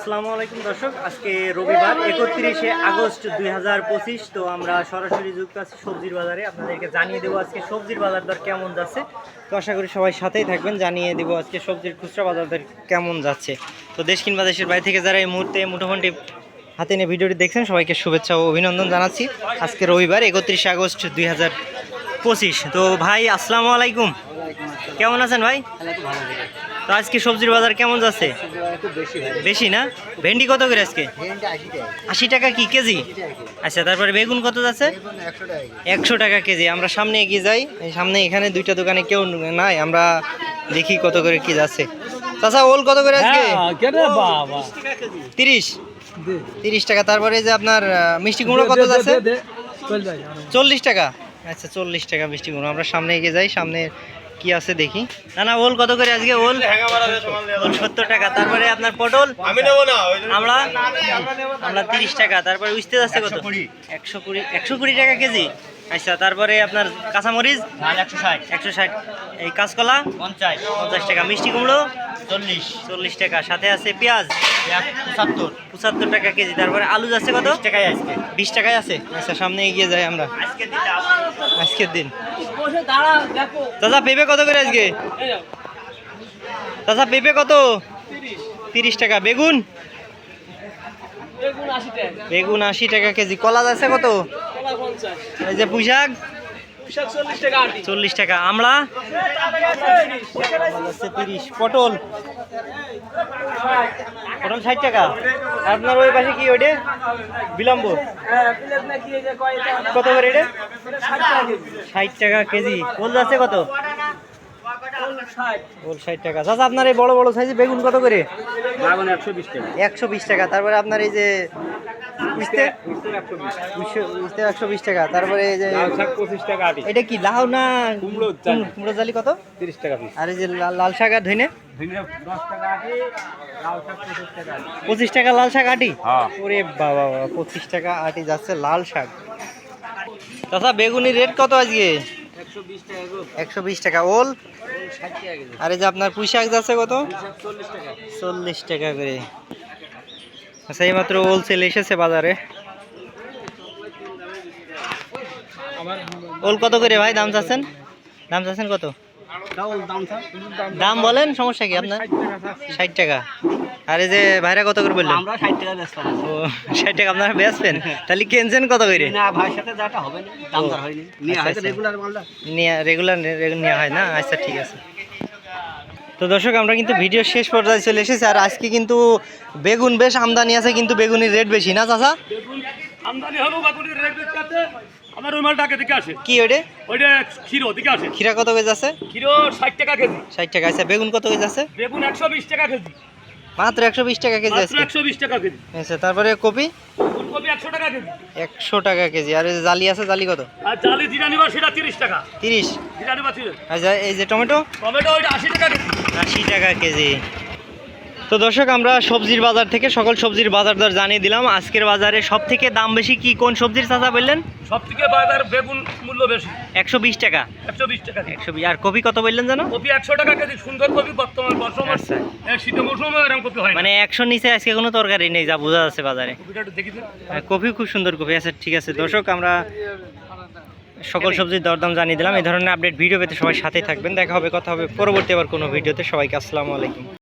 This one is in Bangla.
আসসালামু আলাইকুম দর্শক, আজকে রবিবার 31শে আগস্ট 2025। তো আমরা সরাসরি যুক্ত আছি সবজির বাজারে। আপনাদেরকে জানিয়ে দেবো আজকে সবজির বাজার দর কেমন যাচ্ছে। তো আশা করি সবাই সাথেই থাকবেন, জানিয়ে দেবো আজকে সবজির খুচরা বাজার দর কেমন যাচ্ছে। তো দেশ কিংবা দেশের বাইরে থেকে যারা এই মুহূর্তে মুঠোফোনটি হাতে নিয়ে ভিডিওটি দেখছেন সবাইকে শুভেচ্ছা ও অভিনন্দন জানাচ্ছি। আজকে রবিবার 31শে আগস্ট 2025। তো ভাই আসসালামু আলাইকুম, কেমন আছেন ভাই? তো আজকে সবজির বাজার কেমন যাচ্ছে? বেশি না? ভেন্ডি কত করে আজকে? 80 টাকা কি কেজি? আচ্ছা, তারপরে বেগুন কত যাচ্ছে? 100 টাকা কেজি। আমরা সামনে এগিয়ে যাই, সামনে এখানে দুইটা দোকানে কেউ নাই, আমরা দেখি কত করে কি যাচ্ছে। চাচা ওল কত করে আজকে? 30 টাকা। তারপরে যে আপনার মিষ্টি কুমড়ো কত যাচ্ছে? 40 টাকা। আচ্ছা 40 টাকা মিষ্টি কুমড়ো। আমরা সামনে এগিয়ে যাই, সামনে কি আছে দেখি। না ওল কত করে আজকে? ওল 70 টাকা। তারপরে আপনার পটল আমরা 30 টাকা। তারপরে উঠতে যাচ্ছে কত? 120 টাকা কেজি। আচ্ছা, তারপরে আপনার কাঁচামরিচ 160। এই কাঁচকলা 50 টাকা। মিষ্টি কুমড়ো 40 টাকা। সাথে আছে পেঁয়াজ 75 টাকা কেজি। তারপরে আলু যাচ্ছে কত? 20 টাকায় আছে। আচ্ছা, সামনে এগিয়ে যাই আমরা। আজকের দিন দাদা পেঁপে কত করে আজকে? দাদা পেঁপে কত? 30 টাকা। বেগুন 80 টাকা কেজি। কলা যাচ্ছে কত? এই যে পুঁইশাক 40 টাকা। আমড়া 30। পটল 60 টাকা। আপনার ওই পাশে কি ওইটা বিলম্ব কত করে? এটা 60 টাকা কেজি। ওল যাচ্ছে কত? ওল 60 টাকা। আচ্ছা, আপনার এই বড় বড় সাইজে বেগুন কত করে? 120 টাকা। তারপরে আপনার এই যে 120 টাকা। তারপরে এই যে 25 টাকা। এটা কি লাউ না কুমড়ো জালি? কত? 30 টাকা। আর এই যে লাল শাক আর ধইনে 25 টাকা। লাল শাক আটি? ওরে বাবা, 25 টাকা আটি যাচ্ছে লাল শাক। দাদা বেগুনির রেট কত আজকে? 120 টাকা। ওল? আর এই যে আপনার পুঁই শাক যাচ্ছে কত? 40 টাকা করে। আচ্ছা, এইমাত্র ওল চলে এসেছে বাজারে। ওল কত করে ভাই দাম চাচ্ছেন? কত দাম বলেন, সমস্যা কি আপনার? 60 টাকা। আর এই যে ভাইরা কত করে বললেন? আমরা 60 টাকা বেচতাম। ও 60 টাকা আপনারা বেচবেন? তাহলে কিনছেন কত করে? না ভাইয়ের সাথে যাটা হবে না, দাম দর হয়নি। নিয়া হয় রেগুলার মালটা। রেগুলার নেওয়া হয় না? আচ্ছা ঠিক আছে। তো দর্শক, আমরা কিন্তু ভিডিও শেষ পর্যায়ে চলে এসেছি। আর আজকে কিন্তু বেগুন বেশ আমদানি আছে, কিন্তু বেগুনের রেট বেশি না চাচা? আমদানি হলো বেগুনের রেট বেশি আছে। আমার ওই মালটাকে দিকে আসে। কি ওইটা? ওইটা ক্ষীর দিকে আসে। ক্ষীরা কত কেজি আছে? ক্ষীর 60 টাকা কেজি। 60 টাকা। আচ্ছা, বেগুন কত কেজি আছে? বেগুন 120 টাকা কেজি। মাত্র 120 টাকা কেজি আছে? 120 টাকা কেজি। আচ্ছা, তারপরে কপি? ফুলকপি 100 টাকা কেজি। 100 টাকা কেজি। আর এই যে জালি আছে, জালি কত? আর জালি জিরা নিবা সেটা 30 টাকা। 30 জিরা নিবা 30। আচ্ছা, এই যে টমেটো? টমেটো ওইটা 80 টাকা কেজি। 80 টাকা কেজি। তো দর্শক, আমরা সবজির বাজার থেকে সকল সবজির বাজার দর জানিয়ে দিলাম। আজকের বাজারে সব থেকে দাম বেশি কি কোন সবজির চাচা বললেন? সব থেকে বাজার বেগুন মূল্য বেশি। 120 টাকা। 120 টাকা। 120। আর কপি কত বললেন জানো? কপি 100 টাকা কেজি। সুন্দর কপি বর্তমান বর্ষমান। আচ্ছা, শীতের মৌসুমে এরকম কপি হয় না। মানে 100 নিচে আজকে কোনো তরকারি নেই, যা বোঝা যাচ্ছে বাজারে। কপিটা একটু দেখি দিন। কপি খুব সুন্দর কপি। আচ্ছা ঠিক আছে দর্শক, আমরা সকল সবজির দরদাম জানিয়ে দিলাম। এই ধরনের আপডেট ভিডিও পেতে সবাই সাথেই থাকবেন। দেখা হবে, কথা হবে পরবর্তী আবার কোনো ভিডিওতে। সবাইকে আসসালামু আলাইকুম।